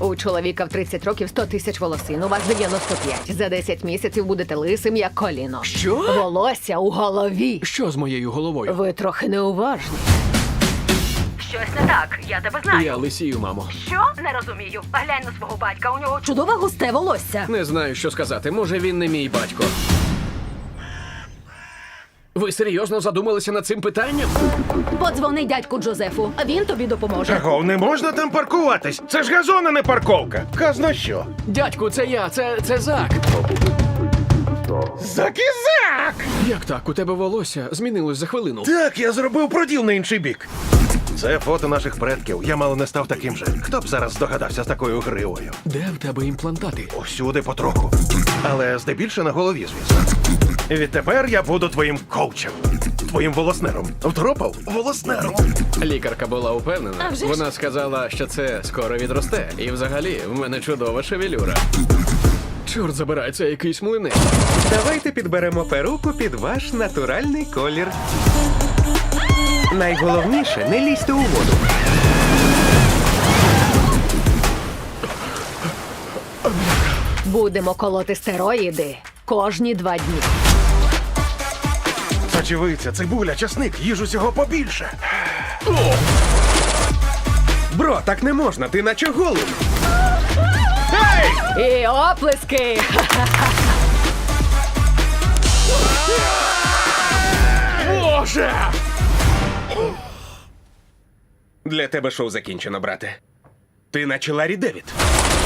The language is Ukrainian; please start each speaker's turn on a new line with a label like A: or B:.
A: У чоловіка в 30 років 100 тисяч волосин, у вас 95. За 10 місяців будете лисим, як коліно.
B: Що?
A: Волосся у голові.
B: Що з моєю головою?
A: Ви трохи неуважні.
C: Щось не так, я тебе знаю.
B: Я лисію, мамо.
C: Що? Не розумію. Глянь на свого батька, у нього
A: Чудове густе волосся.
B: Не знаю, що сказати. Може, він не мій батько. Ви серйозно задумалися над цим питанням?
A: Подзвони дядьку Джозефу, а він тобі допоможе.
D: Чого, не можна там паркуватись? Це ж газон, а не парковка. Казно що?
B: Дядьку, це я, це Зак.
D: Закізак!
B: Як так? У тебе волосся змінилось за хвилину.
D: Так, я зробив проділ на інший бік. Це фото наших предків. Я мало не став таким же. Хто б зараз здогадався з такою гривою?
B: Де в тебе імплантати?
D: Усюди потроху. Але здебільше на голові, звісно. Відтепер я буду твоїм коучем. Твоїм волоснером. Втропав? Волоснером.
B: Лікарка була упевнена.
A: А вже ж.
B: Вона сказала, що це скоро відросте. І взагалі, в мене чудова шевелюра. Чорт забирай, це якийсь млинець.
E: Давайте підберемо перуку під ваш натуральний колір. Найголовніше, не лізьте у воду.
A: Будемо колоти стероїди кожні 2 дні.
D: Сочевиця, цибуля, часник, їж усього побільше.
E: Бро, так не можна, ти наче голуб.
A: І оплески!
B: Боже!
E: Для тебе шоу закінчено, брате. Ти наче Ларі Девід.